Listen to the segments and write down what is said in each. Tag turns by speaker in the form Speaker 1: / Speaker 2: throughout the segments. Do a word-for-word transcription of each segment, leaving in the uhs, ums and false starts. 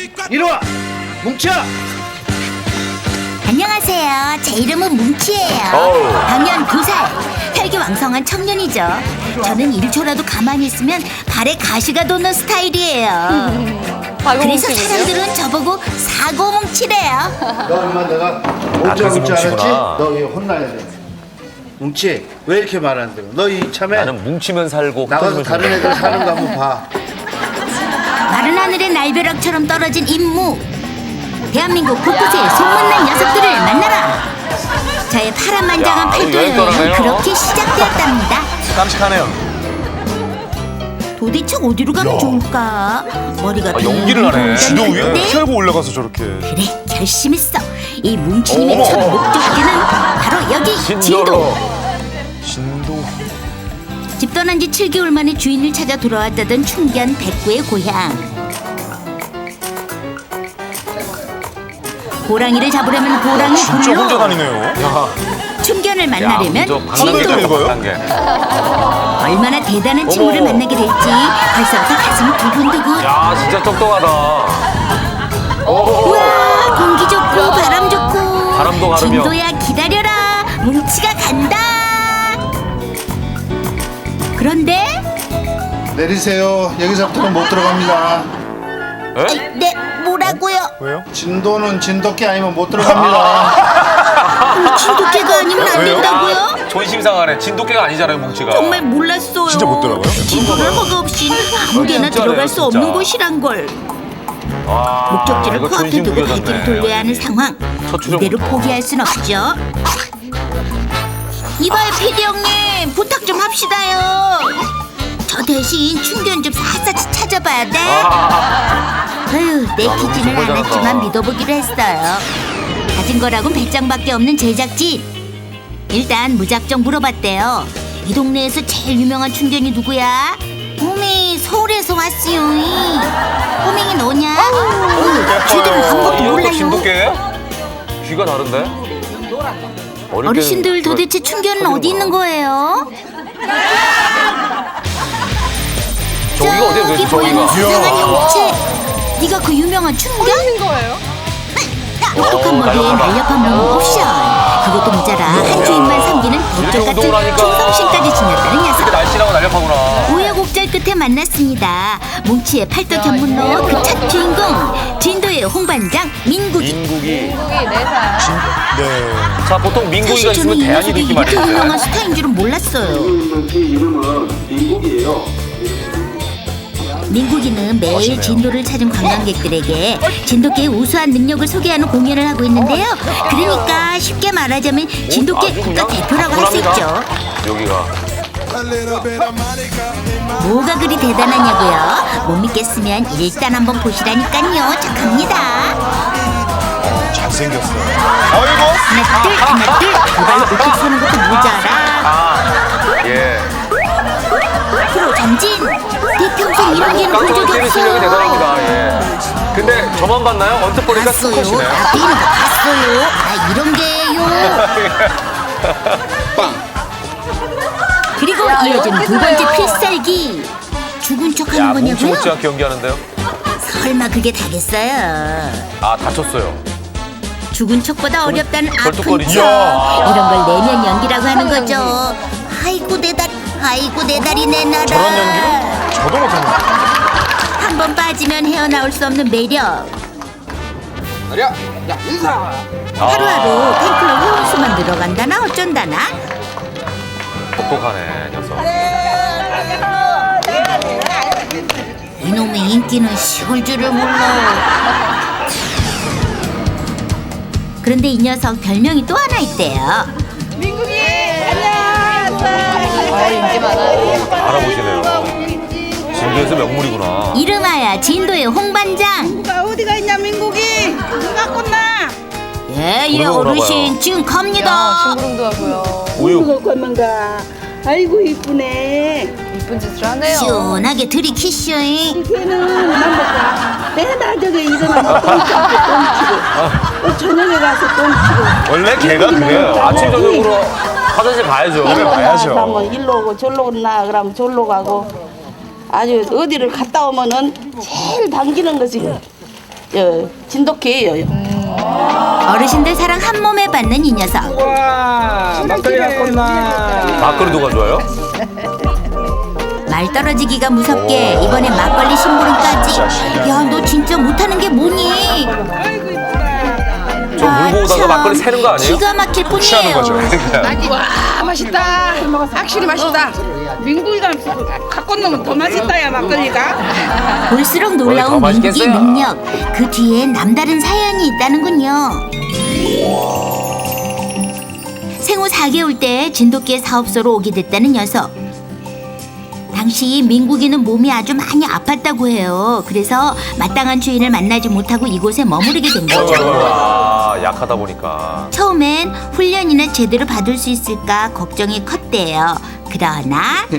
Speaker 1: 이리 와. 뭉쳐.
Speaker 2: 안녕하세요. 제 이름은 뭉치예요.
Speaker 3: 어우.
Speaker 2: 당연 두 살. 혈기왕성한 청년이죠. 저는 일 초라도 가만히 있으면 발에 가시가 돋는 스타일이에요. 그래서 사람들은 저보고 사고뭉치래요.
Speaker 1: 너 엄마 내가
Speaker 3: 아,
Speaker 1: 뭉쳐
Speaker 3: 그래서
Speaker 1: 뭉쳐 알았지?
Speaker 3: 뭉치구나.
Speaker 1: 너 이거 혼나야 돼. 뭉치 왜 이렇게 말 안 들어? 너 이참에
Speaker 3: 나는 뭉치면 살고
Speaker 1: 나가서
Speaker 3: 흩어지면
Speaker 1: 다른
Speaker 3: 죽는다.
Speaker 1: 애들 사는 거 한번 봐.
Speaker 2: 마른 하늘의 날벼락처럼 떨어진 임무. 대한민국 곳곳에 소문난 녀석들을 만나라. 저의 파란만장한
Speaker 3: 야,
Speaker 2: 팔도
Speaker 3: 여행 떠나네요.
Speaker 2: 여행은 그렇게 시작되었답니다.
Speaker 3: 깜찍하네요.
Speaker 2: 도대체 어디로 가면 좋을까? 머리가
Speaker 3: 아, 연기를 하네.
Speaker 4: 지도 위에
Speaker 2: 네?
Speaker 4: 펴고 올라가서 저렇게.
Speaker 2: 그래, 결심했어. 이 뭉치님의
Speaker 3: 어머.
Speaker 2: 첫 목적지는 바로 여기 진도.
Speaker 3: 진도로.
Speaker 4: 진도.
Speaker 2: 집 떠난 지 칠 개월 만에 주인을 찾아 돌아왔다던 충견 백구의 고향. 호랑이를 잡으려면 호랑이
Speaker 4: 진짜 혼자
Speaker 2: 굴로,
Speaker 4: 다니네요.
Speaker 2: 충견을 만나려면
Speaker 3: 진도
Speaker 2: 진도.
Speaker 4: 읽어요?
Speaker 3: 단계.
Speaker 2: 얼마나 대단한 친구를
Speaker 3: 어머.
Speaker 2: 만나게 될지 벌써부터 가슴이 두근두근.
Speaker 3: 야, 진짜 똑똑하다.
Speaker 2: 우와, 공기 좋고 바람 좋고.
Speaker 3: 바람도 가르며.
Speaker 2: 진도야 기다려라, 뭉치가 간다. 그런데
Speaker 1: 내리세요. 여기서부터는 못 들어갑니다.
Speaker 3: 에?
Speaker 2: 네, 뭐라고요?
Speaker 4: 왜요?
Speaker 1: 진도는 진돗개 아니면 못 들어갑니다.
Speaker 2: 진돗개가 아니면 안
Speaker 4: 왜요?
Speaker 2: 된다고요?
Speaker 3: 존심 상하네. 진돗개가 아니잖아요, 뭉치가.
Speaker 2: 정말 몰랐어요.
Speaker 4: 진짜 못 들어가요?
Speaker 2: 진도를 허가 없이 아무데나
Speaker 3: 진짜네요,
Speaker 2: 들어갈 수
Speaker 3: 진짜.
Speaker 2: 없는 곳이란 걸.
Speaker 3: 와,
Speaker 2: 목적지를
Speaker 3: 이거
Speaker 2: 코앞에
Speaker 3: 존심
Speaker 2: 두고
Speaker 3: 구겨졌네.
Speaker 2: 발길을 돌려야 하는 상황.
Speaker 3: 첫 출연
Speaker 2: 이대로
Speaker 3: 부터.
Speaker 2: 포기할 순 없죠. 이봐요, 피디 형님, 부탁 좀 합시다요. 저 대신 충견 좀 샅샅이 찾아봐야 돼. 아휴, 내키지는
Speaker 3: 정말 잘한다.
Speaker 2: 않았지만 믿어보기로 했어요. 가진 거라곤 배짱밖에 없는 제작진. 일단 무작정 물어봤대요. 이 동네에서 제일 유명한 충견이 누구야? 호밍, 서울에서 왔어요. 호밍이 너냐? 어, 쟤들은 그런 것도
Speaker 3: 이것도
Speaker 2: 몰라요.
Speaker 3: 진돗개예요? 귀가 다른데? 어릴
Speaker 2: 어르신들
Speaker 3: 때는
Speaker 2: 도대체 충견은 어디 있는 거예요?
Speaker 3: 저기가 어디야,
Speaker 2: 저기
Speaker 3: 도대체
Speaker 2: 보이는
Speaker 3: 저기가?
Speaker 2: 수상한 형체. 네가 그 유명한 충견? 똑똑한 머리에
Speaker 3: 날렵하다.
Speaker 2: 날렵한 몸 옵션. 그것도 모자라 한 주인만 섬기는
Speaker 3: 이렇게
Speaker 2: 대쪽
Speaker 3: 운동을
Speaker 2: 같은
Speaker 3: 하니까
Speaker 2: 충성심까지 지녔다는
Speaker 3: 이렇게
Speaker 2: 녀석.
Speaker 3: 날씬하고 날렵하구나.
Speaker 2: 우여곡절 끝에 만났습니다. 뭉치의 팔도 견문로 그 첫 주인공 진도의 홍반장 민국이.
Speaker 3: 민국이.
Speaker 4: 네.
Speaker 3: 자, 보통 민국이가
Speaker 2: 사실 저는
Speaker 3: 있으면
Speaker 2: 이
Speaker 3: 대안이
Speaker 2: 녀석이
Speaker 3: 있기
Speaker 2: 이렇게 유명한
Speaker 3: 마련인데.
Speaker 2: 스타인 줄은 몰랐어요.
Speaker 5: 제 이름은 민국이에요.
Speaker 2: 민국이는 매일 진도를 찾은 관광객들에게 진돗개의 우수한 능력을 소개하는 공연을 하고 있는데요. 그러니까 쉽게 말하자면 진돗개
Speaker 3: 아주
Speaker 2: 국가
Speaker 3: 그냥
Speaker 2: 대표라고 할 수 있죠.
Speaker 3: 여기가.
Speaker 2: 뭐가 그리 대단하냐고요? 못 믿겠으면 일단 한번 보시라니까요. 착합니다.
Speaker 4: 잘생겼어요.
Speaker 2: 하나 둘 하나 둘 두발 우뚝 서는 것도 모자라.
Speaker 3: 아, 예.
Speaker 2: 프로 전진. 내 평생 이런 개는 본 적이
Speaker 3: 깡통을 실력이
Speaker 2: 없어요.
Speaker 3: 대단합니다. 예. 근데 저만 봤나요? 언뜻 보니까
Speaker 2: 봤어요.
Speaker 3: 수컷이네.
Speaker 2: 앞에 있는 거 봤어요. 아 이런 게요. 그리고 이어지는 두 번째 필살기. 죽은 척하는
Speaker 3: 야, 뭉치
Speaker 2: 거냐고요?
Speaker 3: 못지않게 연기하는데요?
Speaker 2: 설마 그게 다겠어요?
Speaker 3: 아, 다쳤어요.
Speaker 2: 죽은 척보다 어렵다는 아픈
Speaker 3: 절뚝거리죠.
Speaker 2: 척. 이런 걸 내면 연기라고 하는 거죠. 아이고 내 다리, 아이고 내 다리 내 나라.
Speaker 4: 저런 연기는 저도 못하는데.
Speaker 2: 한 번 빠지면 헤어나올 수 없는 매력. 하루하루 팬클럽 회원수만 늘어간다나 어쩐다나.
Speaker 3: 똑똑하네, 녀석.
Speaker 2: 이놈의 인기는 식을 줄을 몰라. 그런데 이 녀석 별명이 또 하나 있대요.
Speaker 3: 알아보시네요. 진도에서 명물이구나.
Speaker 2: 이름하여 진도의 홍반장.
Speaker 6: 누가 어디가 있냐 민국이 누가 꽂나
Speaker 2: 예예
Speaker 3: 그러나
Speaker 2: 어르신
Speaker 3: 봐요.
Speaker 2: 지금 갑니다.
Speaker 3: 우유.
Speaker 6: 누가 꽂는가 아이고 이쁘네
Speaker 7: 이쁜 짓을 하네요.
Speaker 2: 시원하게 들이키쇼잉.
Speaker 6: 걔는 남자가 매달 저기 일어나면 똥 치고 똥 치고 또 저녁에 가서 똥 치고
Speaker 3: 원래 걔가 그래요. 아침, 저녁으로 화장실 가야죠.
Speaker 6: 일로
Speaker 4: 가야죠.
Speaker 6: 나 그러면 일로 오고 절로 오나 그러면 절로 가고 아주 어디를 갔다 오면은 제일 당기는 것이 저 진돗개예요.
Speaker 2: 어르신들 사랑 한 몸에 받는 이 녀석.
Speaker 7: 와 막걸리 갖고 온나.
Speaker 3: 막걸리 누가 좋아요?
Speaker 2: 말 떨어지기가 무섭게 이번에 막걸리 심부름까지. 야, 너 진짜 못하는 게 뭐니?
Speaker 3: 저 물고 오다가
Speaker 2: 참,
Speaker 3: 막걸리 새는 거 아니에요?
Speaker 2: 기가 막힐
Speaker 4: 취하는 거죠.
Speaker 2: 뿐이에요.
Speaker 8: 와 맛있다. 확실히 맛있다. 민구이가 갖고 놓으면 더 맛있다 야 막걸리가.
Speaker 2: 볼수록
Speaker 3: 더
Speaker 2: 놀라운 민국의
Speaker 3: 맛있겠어요.
Speaker 2: 능력. 그 뒤엔 남다른 사연이 있다는군요. 생후 사 개월 때 진돗개 사업소로 오게 됐다는 녀석. 당시 민국이는 몸이 아주 많이 아팠다고 해요. 그래서 마땅한 주인을 만나지 못하고 이곳에 머무르게 된 거죠.
Speaker 3: 아, 약하다 보니까.
Speaker 2: 처음엔 훈련이나 제대로 받을 수 있을까 걱정이 컸대요. 그러나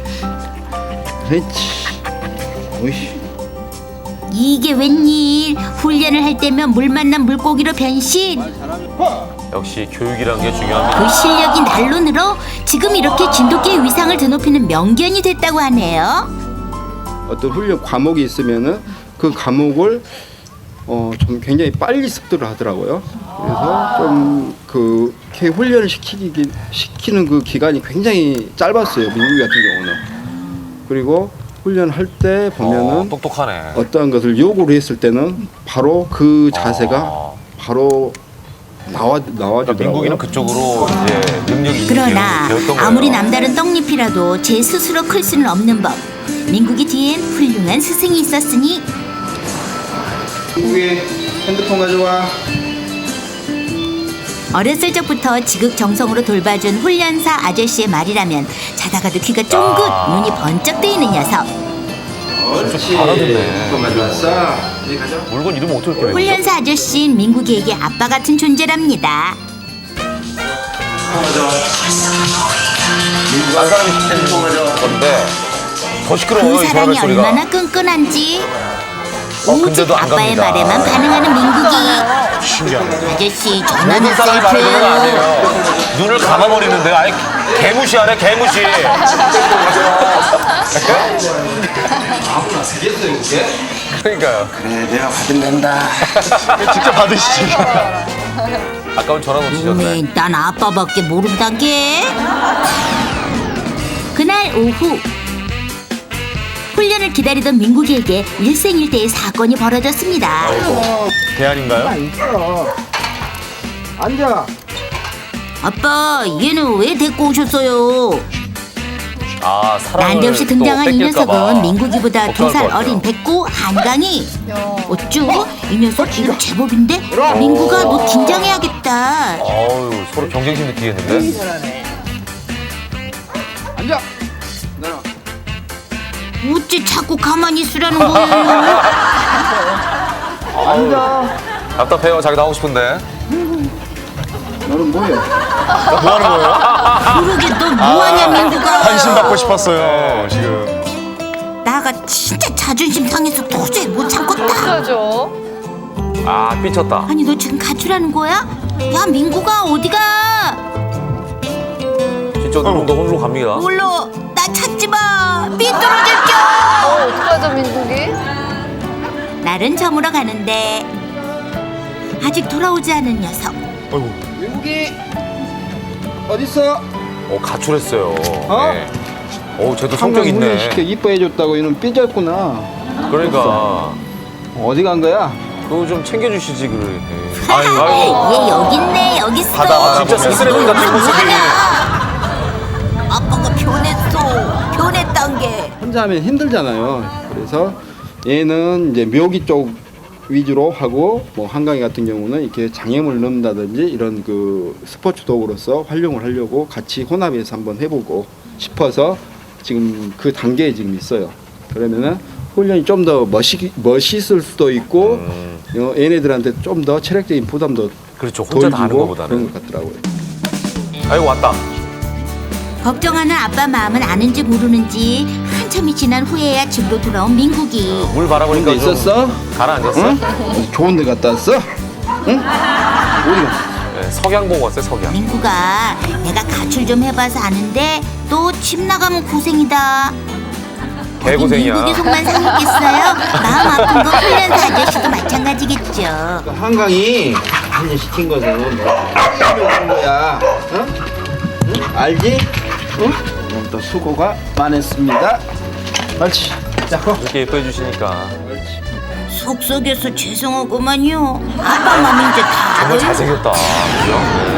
Speaker 1: 그렇지. 오이씨.
Speaker 2: 이게 웬일? 훈련을 할 때면 물 만난 물고기로 변신.
Speaker 3: 역시 교육이란 게 중요합니다.
Speaker 2: 그 실력이 날로 늘어 지금 이렇게 진돗개의 위상을 드높이는 명견이 됐다고 하네요.
Speaker 9: 어떤 훈련 과목이 있으면은 그 과목을 어 좀 굉장히 빨리 습득을 하더라고요. 그래서 좀 그렇게 훈련을 시키기 시키는 그 기간이 굉장히 짧았어요. 민국이 같은 경우는. 그리고 훈련할 때 보면은
Speaker 3: 어, 똑똑하네.
Speaker 9: 어떠한 것을 요구를 했을 때는 바로 그 자세가
Speaker 3: 어.
Speaker 9: 바로 나와 나와주더라고요.
Speaker 3: 그러니까 민국이는 그쪽으로 이제 능력이
Speaker 2: 그러나
Speaker 3: 배웠던 거예요.
Speaker 2: 아무리 남다른 떡잎이라도 제 스스로 클 수는 없는 법. 민국이 뒤엔 훌륭한 스승이 있었으니
Speaker 9: 민국이 핸드폰 가져와.
Speaker 2: 어렸을 적부터 지극정성으로 돌봐준 훈련사 아저씨의 말이라면 자다가도 귀가 쫑긋
Speaker 3: 아.
Speaker 2: 눈이 번쩍 뜨이는 녀석.
Speaker 9: 옳지.
Speaker 3: 알아듣네.
Speaker 9: 핸드폰 가져왔어. 이리 가져.
Speaker 3: 물건 이름 어떻게 그래요?
Speaker 2: 훈련사 아저씨는 민국이에게 아빠 같은 존재랍니다.
Speaker 3: 딴 사람이 시키는 건데 더 시끄러워요.
Speaker 2: 그
Speaker 3: 이
Speaker 2: 사랑이
Speaker 3: 사람의 소리가.
Speaker 2: 얼마나 끈끈한지
Speaker 3: 어,
Speaker 2: 오직
Speaker 3: 근데도 안
Speaker 2: 아빠의
Speaker 3: 갑니다.
Speaker 2: 말에만 반응하는 민국이.
Speaker 4: 신기하네.
Speaker 2: 아저씨 전화는
Speaker 3: 모든 사람이 말해주는 건
Speaker 2: 셀프예요.
Speaker 3: 아니에요. 눈을 감아버리는데 아예 개무시하네 개무시. 그러니까요.
Speaker 1: 그래, 내가 받을랜다.
Speaker 4: 직접 받으시죠.
Speaker 3: 아까운 전화 놓치셨네.
Speaker 2: 어메, 난 아빠밖에 모른다게. 그날 오후 훈련을 기다리던 민국이에게 일생일대의 사건이 벌어졌습니다.
Speaker 3: 대안인가요?
Speaker 7: 앉아.
Speaker 2: 아빠, 얘는 왜 데리고 오셨어요?
Speaker 3: 아 사람을
Speaker 2: 난데없이
Speaker 3: 또
Speaker 2: 등장한 이
Speaker 3: 뺏길까 봐.
Speaker 2: 녀석은 민국이보다 두
Speaker 3: 걱정할
Speaker 2: 살
Speaker 3: 것 같아요.
Speaker 2: 어린 백구 한강이. 어쭈? 이 녀석 이거 제법인데? 민국아, 너 긴장해야겠다.
Speaker 3: 어우 서로 경쟁심 느끼겠는데?
Speaker 7: 앉아.
Speaker 2: 어찌 자꾸 가만히 있으라는 거예요?
Speaker 7: 앉아.
Speaker 3: 답답해요. 자기 나오고 싶은데.
Speaker 9: 너는 뭐해?
Speaker 4: 뭐 하는 거예요?
Speaker 2: 그러게 너 뭐하냐, 민국아?
Speaker 4: 관심 받고 싶었어요, 지금.
Speaker 2: 나가 진짜 자존심 상해서 도저히 못 참겠다.
Speaker 3: 아 삐쳤다.
Speaker 2: 아니 너 지금 가출하는 거야? 야, 민국아, 어디가?
Speaker 3: 진짜 너 홀로 갑니다.
Speaker 2: 몰라, 나 찾지 마. 삐뚤어질게.
Speaker 8: 어떡하죠 민국이?
Speaker 2: 날은 저물어 가는데 아직 돌아오지 않은 녀석.
Speaker 4: 아이고.
Speaker 7: 민국이 어디 있어?
Speaker 3: 어 가출했어요.
Speaker 7: 어?
Speaker 3: 네. 어 쟤도 성격
Speaker 9: 항상 훈련시켜
Speaker 3: 있네.
Speaker 9: 이뻐해줬다고 이놈 삐졌구나.
Speaker 3: 그러니까
Speaker 9: 어디 간 거야?
Speaker 3: 그거 좀 챙겨주시지 그래. 아유 아유.
Speaker 2: 얘 여기 있네, 여기 있어.
Speaker 3: 아 진짜 쓸쓸해보인 같은 모습이.
Speaker 2: 아빠가 변했어. 변했단 게.
Speaker 9: 혼자 하면 힘들잖아요. 그래서 얘는 이제 묘기 쪽 위주로 하고 뭐 한강이 같은 경우는 이렇게 장애물 넣는다든지 이런 그 스포츠 도구로서 활용을 하려고 같이 혼합해서 한번 해보고 싶어서 지금 그 단계에 지금 있어요. 그러면은 훈련이 좀 더 멋있, 멋있을 수도 있고
Speaker 3: 음.
Speaker 9: 어, 얘네들한테 좀 더 체력적인 부담도
Speaker 3: 그렇죠. 혼자 다 하는
Speaker 9: 덜 주고
Speaker 3: 거보다는.
Speaker 9: 그런 것 같더라고요.
Speaker 3: 아이고 왔다.
Speaker 2: 걱정하는 아빠 마음은 아는지 모르는지 한참이 지난 후에야 집으로 돌아온 민국이.
Speaker 3: 물 바라보니까
Speaker 9: 근데
Speaker 3: 좀
Speaker 9: 있었어?
Speaker 3: 가라앉았어.
Speaker 9: 응? 어디 좋은 데 갔다 왔어? 응? 어디 갔어?
Speaker 3: 네, 석양 보고 왔어요 석양.
Speaker 2: 민국아, 내가 가출 좀 해봐서 아는데 또 집 나가면 고생이다.
Speaker 3: 개고생이야.
Speaker 2: 민국이 속만 상했겠어요? 마음 아픈 거 훈련사 아저씨도 마찬가지겠죠.
Speaker 9: 한강이 한일 시킨 것은 하는 거야. 어? 응? 알지? 응? 오늘 또 수고가 많았습니다. 옳지. 자, 고.
Speaker 3: 이렇게 예뻐해 주시니까.
Speaker 2: 속속여서 죄송하구만요. 아빠 맘 이제 다
Speaker 3: 정말
Speaker 2: 알아요.
Speaker 3: 잘생겼다. 그죠?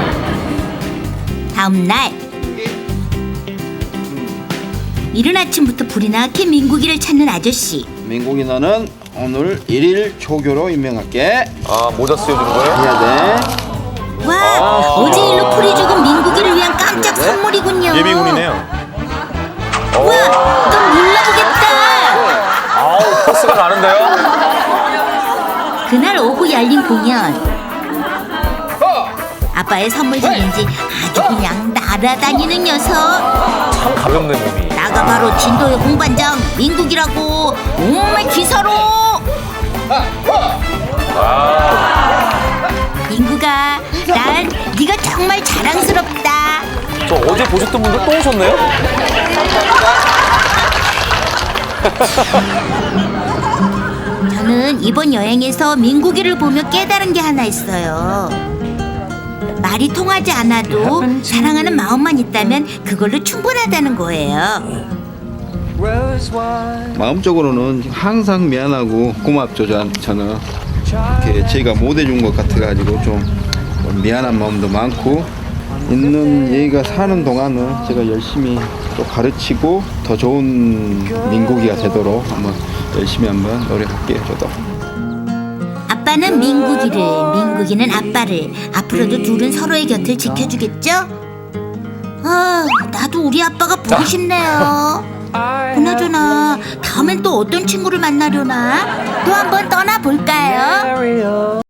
Speaker 2: 다음 날 이른 아침부터 불이 나게 민국이를 찾는 아저씨.
Speaker 9: 민국이 너는 오늘 일일 초교로 임명할게.
Speaker 3: 아, 모자 쓰여주는 거예요?
Speaker 9: 해야 돼.
Speaker 2: 와,
Speaker 3: 아.
Speaker 2: 어제 일로 풀이 죽은 민국이를 위한 깜짝 선물이군요.
Speaker 4: 예비군이네요.
Speaker 2: 와, 넌 몰라보겠다.
Speaker 3: 아우, 포스가 나는데요?
Speaker 2: 그날 오후 열린 공연. 아빠의 선물 중인지 아주 그냥 날아다니는 녀석.
Speaker 3: 참 가볍네, 몸이.
Speaker 2: 나가 바로 진도의 공반장 민국이라고. 정말 기사로. 민국아, 난 네가 정말 자랑스럽다.
Speaker 3: 저 어제 보셨던 분들 또 오셨네요?
Speaker 2: 저는 이번 여행에서 민국이를 보며 깨달은 게 하나 있어요. 말이 통하지 않아도 사랑하는 마음만 있다면 그걸로 충분하다는 거예요.
Speaker 9: 마음적으로는 항상 미안하고 고맙죠. 저- 저는 이렇게 제가 못 해준 것 같아가지고 좀 미안한 마음도 많고 있는 얘가 사는 동안은 제가 열심히 또 가르치고 더 좋은 민국이가 되도록 한번 열심히 한번 노력할게요. 저도.
Speaker 2: 아빠는 민국이를, 민국이는 아빠를. 앞으로도 둘은 서로의 곁을 지켜주겠죠? 아, 나도 우리 아빠가 보고 싶네요. 그나저나 다음엔 또 어떤 친구를 만나려나? 또 한번 떠나볼까요?